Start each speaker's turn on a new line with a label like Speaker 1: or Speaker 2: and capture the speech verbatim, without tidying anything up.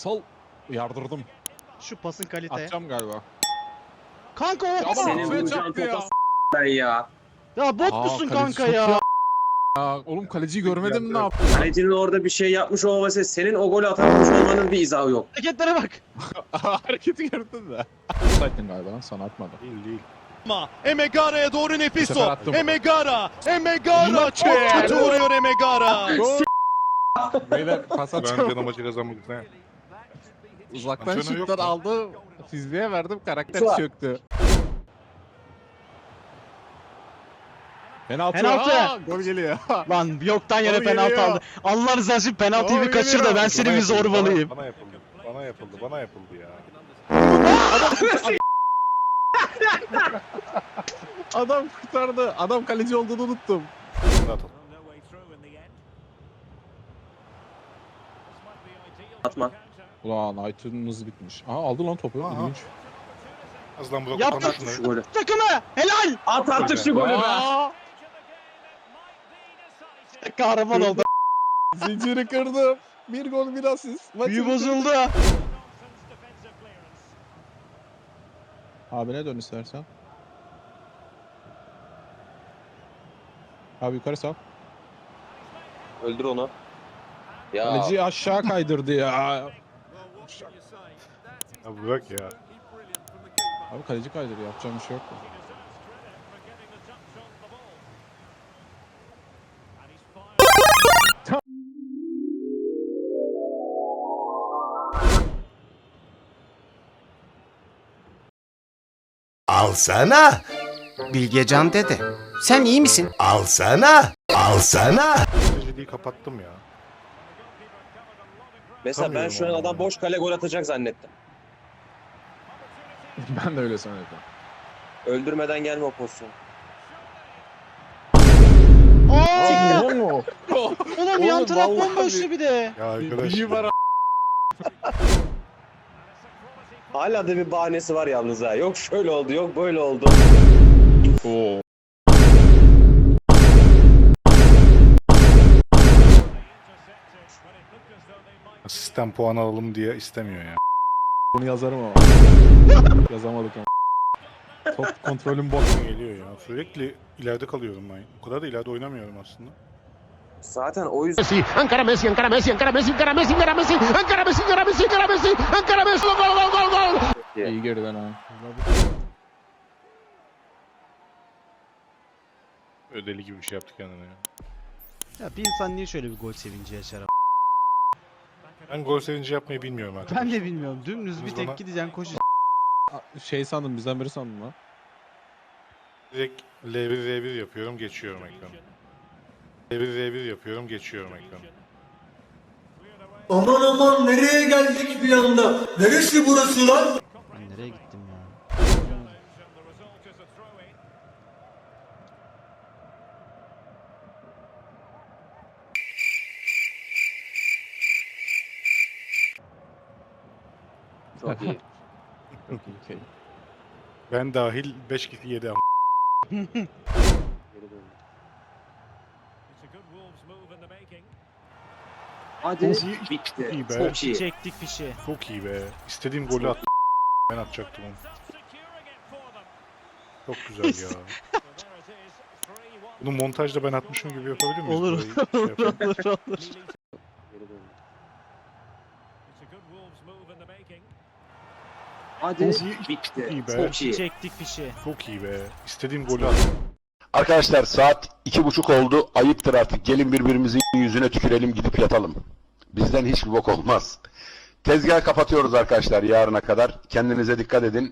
Speaker 1: Sal. Yardırdım.
Speaker 2: Şu pasın kalite.
Speaker 1: Atacağım galiba.
Speaker 2: Kanka o.
Speaker 1: Ya
Speaker 3: Senin
Speaker 1: affet
Speaker 3: vuracağın
Speaker 1: yaptı ya.
Speaker 3: topa s*** ben ya.
Speaker 2: Ya bot
Speaker 1: Aa,
Speaker 2: musun
Speaker 1: kaleci
Speaker 2: kanka
Speaker 1: çok
Speaker 2: ya?
Speaker 1: iyi Ya oğlum kaleciyi görmedin mi ne yaptı?
Speaker 3: Kalecinin orada bir şey yapmış olması senin o golü atamamış olmanın bir izahı yok.
Speaker 2: Hareketlere bak.
Speaker 1: Hareketi gördün de. Offside'din galiba sana atmadı.
Speaker 4: Değil değil. Ama Emegara'ya doğru nefis
Speaker 1: sefer
Speaker 4: o.
Speaker 1: attım.
Speaker 4: Emegara. Emegara.
Speaker 1: Maçı.
Speaker 4: Çok kötü vuruyor Emegara.
Speaker 1: Gol. Beyler pas
Speaker 5: Ben
Speaker 1: atacağım.
Speaker 5: canım maçı kazanmak ne?
Speaker 1: Uzaktan
Speaker 5: Antrenör yok
Speaker 1: şutlar
Speaker 5: mu?
Speaker 1: aldı. Fizliğe verdim karakter
Speaker 3: Şu an.
Speaker 1: çöktü. Penaltı.
Speaker 2: Penaltı.
Speaker 1: Aa, gol geliyor.
Speaker 2: Lan yoktan yere
Speaker 1: Gol
Speaker 2: penaltı
Speaker 1: geliyor.
Speaker 2: aldı. Allah rızası için penaltıyı
Speaker 1: Gol
Speaker 2: bir kaçır da
Speaker 1: geliyor.
Speaker 2: ben seni
Speaker 5: Bana
Speaker 2: bir
Speaker 5: yapıldı,
Speaker 2: zorbalayayım.
Speaker 5: Bana, bana yapıldı. Bana yapıldı. Bana yapıldı ya.
Speaker 1: Adam kurtardı. Adam kaleci olduğunu unuttum.
Speaker 5: Bunu atalım.
Speaker 3: Atma.
Speaker 1: Ulan Knight'ın hızı bitmiş. Aa aldı lan topu.
Speaker 5: Aha.
Speaker 1: İlginç.
Speaker 5: Az lan bırak
Speaker 2: Yaptı.
Speaker 5: atalım
Speaker 3: Şu
Speaker 5: şunları.
Speaker 3: golü.
Speaker 2: Takımı helal.
Speaker 3: At artık şu golü be.
Speaker 1: Aa,
Speaker 2: Kahraman oldu.
Speaker 1: zinciri kırdım. Bir gol bir asist. Maçı
Speaker 2: Büyü
Speaker 1: bitirdim.
Speaker 2: bozuldu.
Speaker 1: Abine dön istersen. Abi yukarı sal.
Speaker 3: Öldür onu. Ya
Speaker 1: Kaleci aşağı kaydırdı ya.
Speaker 5: Ya bırak ya.
Speaker 1: Abi kaleci kaydırıyor. Yapacağım bir şey yok.
Speaker 6: Alsana,
Speaker 7: Bilgecan dede, sen iyi misin?
Speaker 6: alsana, alsana.
Speaker 5: Seyirciliği kapattım ya.
Speaker 3: mesela ben şu an adam boş kale gol atacak zannettim.
Speaker 1: Ben de öyle sanıyordum.
Speaker 3: Öldürmeden gelme o pozisyon.
Speaker 2: Aa!
Speaker 1: Oo.
Speaker 2: Oğlum yan
Speaker 1: Oğlum,
Speaker 2: taraf
Speaker 1: vallahi
Speaker 2: bomboştu bir de.
Speaker 5: Ya arkadaş.
Speaker 1: İyi var.
Speaker 3: Hala da bir bahanesi var yalnız ha. Yok şöyle oldu, yok böyle oldu.
Speaker 1: Oo.
Speaker 5: Sistem puan alalım diye istemiyor ya.
Speaker 1: Bunu yazarım ama. Yazamadık ama. Top kontrolüm bot.
Speaker 5: Geliyor ya. Sürekli ileride kalıyorum ben. O kadar da ileride oynamıyorum aslında.
Speaker 3: Zaten o yüzden
Speaker 6: Ankara Messi, Ankara Messi, Ankara Messi, Ankara Messi, Ankara Messi, Ankara Messi, Ankara Messi, Ankara Messi, Ankara Messi, gol gol gol gol.
Speaker 1: İyi geriden ha.
Speaker 5: Ödeli gibi bir şey yaptık kendine ya.
Speaker 2: Ya bir insan niye şöyle bir gol sevinci yaşar?
Speaker 5: Ben gol sevinci yapmayı bilmiyorum arkadaşlar.
Speaker 2: Ben de bilmiyorum. Dümdüz bir
Speaker 5: Biz
Speaker 2: tek
Speaker 5: bana-
Speaker 2: gideceksin koşacaksın.
Speaker 1: Şey sandım bizden biri sandım lan.
Speaker 5: Direkt L bir R bir yapıyorum, geçiyorum ekranı. L bir R bir yapıyorum, geçiyorum ekranı.
Speaker 8: Aman aman nereye geldik bir anda? Neresi burası lan?
Speaker 2: Ben nereye gittim ya?
Speaker 3: çok iyi.
Speaker 1: Çok iyi. Okey.
Speaker 5: Ben dahil beş kişi yedi ama.
Speaker 3: Geri döndü. Hadi bitti.
Speaker 5: iyi be.
Speaker 3: Çok iyi.
Speaker 2: Çektik fişi.
Speaker 5: Çok iyi be. İstediğim golü attım. Ben atacaktım onu. Çok güzel ya. Bunu montajda ben atmışım gibi yapabilir miyiz?
Speaker 2: Olur.
Speaker 5: Burayı şey yapalım.
Speaker 2: olur olur.
Speaker 3: Geri döndü. Hadi bitti.
Speaker 5: iyi be.
Speaker 3: Çok iyi.
Speaker 2: Çektik fişi.
Speaker 5: Çok iyi be. İstediğim golü attım.
Speaker 6: Arkadaşlar saat iki buçuk oldu. Ayıptır artık. Gelin birbirimizin yüzüne tükürelim gidip yatalım. Bizden hiçbir bok olmaz. Tezgahı kapatıyoruz arkadaşlar yarına kadar. Kendinize dikkat edin.